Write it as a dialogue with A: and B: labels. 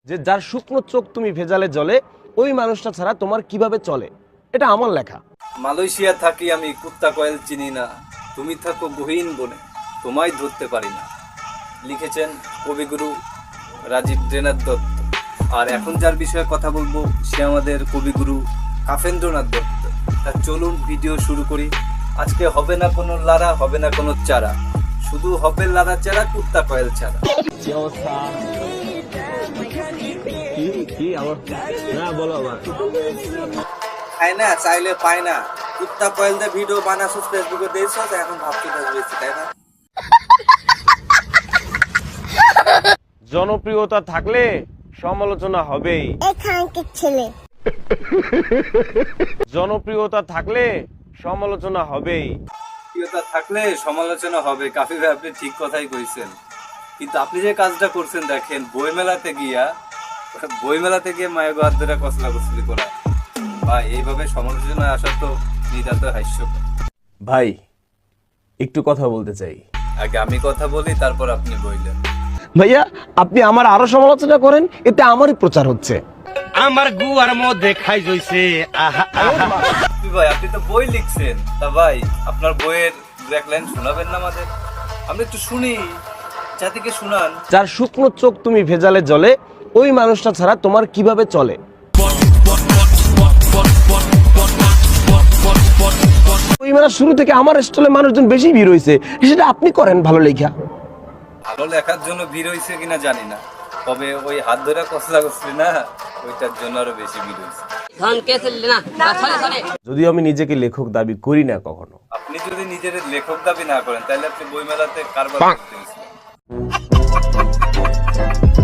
A: যে যার শুকনো চোখ তুমি ভেজালে জলে, ওই মানুষটা ছাড়া তোমার কিভাবে চলে। এটা আমার লেখা।
B: মালয়েশিয়া থাকি আমি, কুত্তা কয়েল চিনি না, তুমি থাকো গহীন বনে, তোমায় ধরতে পারি না। লিখেছেন কবিগুরু রাজীব ড্রেনাথ দত্ত। আর এখন যার বিষয়ে কথা বলবো সে আমাদের কবিগুরু কাফেন্দ্রনাথ দত্ত। তা চলুন ভিডিও শুরু করি। আজকে হবে না কোনো লারা, হবে না কোনো চারা, শুধু হবে লারা চারা, কুত্তা কয়েল ছাড়া।
A: কি অবস্থা? কি অবস্থা? না বলো আবার।
B: খায় না, চাইলে পায় না। কুত্তা কয়েল দিয়ে ভিডিও বানাসুস, ফেসবুকে দিয়েছ, এখন ভাবতে বেশি, তাই না?
A: জনপ্রিয়তা থাকলে সমালোচনা হবেই।
C: এখানকার ছেলে
A: জনপ্রিয়তা থাকলে সমালোচনা হবেই।
B: প্রিয়তা থাকলে সমালোচনা হবে। কাফি ভাই, আপনি ঠিক কথাই কইছেন, কিন্তু আপনি যে কাজটা করছেন দেখেন, বইমেলাতে গিয়ে মায়ের হাত ধরে কসলা কসলি করা, ভাই এইভাবে সমালোচনা আসা তো নিতান্ত হাস্যকর।
A: ভাই একটু কথা বলতে চাই।
B: আগে আমি কথা বলি, তারপর আপনি বললেন।
A: ভাইয়া আপনি আমার আরো সমালোচনা করেন, এতে আমারই প্রচার হচ্ছে।
D: আমার গুয়ার মধ্যে খাই জইছে।
B: ভাই আপনি তো বই লিখছেন, তা ভাই আপনার বইয়ের এক লাইন শোনাবেন না আমাদের? আমরা একটু শুনি, জাতিকে শুনান।
A: যার শুকনো চোখ তুমি ভেজালে জলে, ওই মানুষটা ছাড়া তোমার কিভাবে চলে। ওই মানে শুরু থেকে আমার স্টলে মানুষজন বেশি ভিড় হয়েছে, সেটা আপনি করেন ভালো লেখা।
B: ভালো লেখার জন্য ভিড় হয়েছে কিনা জানি না, তবে ওই হাত ধরে কসলা কসলি না, ওইটার জন্য আরো বেশি ভিড় হয়েছে।
A: যদিও আমি নিজেকে লেখক দাবি করি না কখনো।
B: আপনি যদি নিজের লেখক দাবি না করেন, তাহলে আপনি বইমেলাতে কারবার করতে গেছিলেন।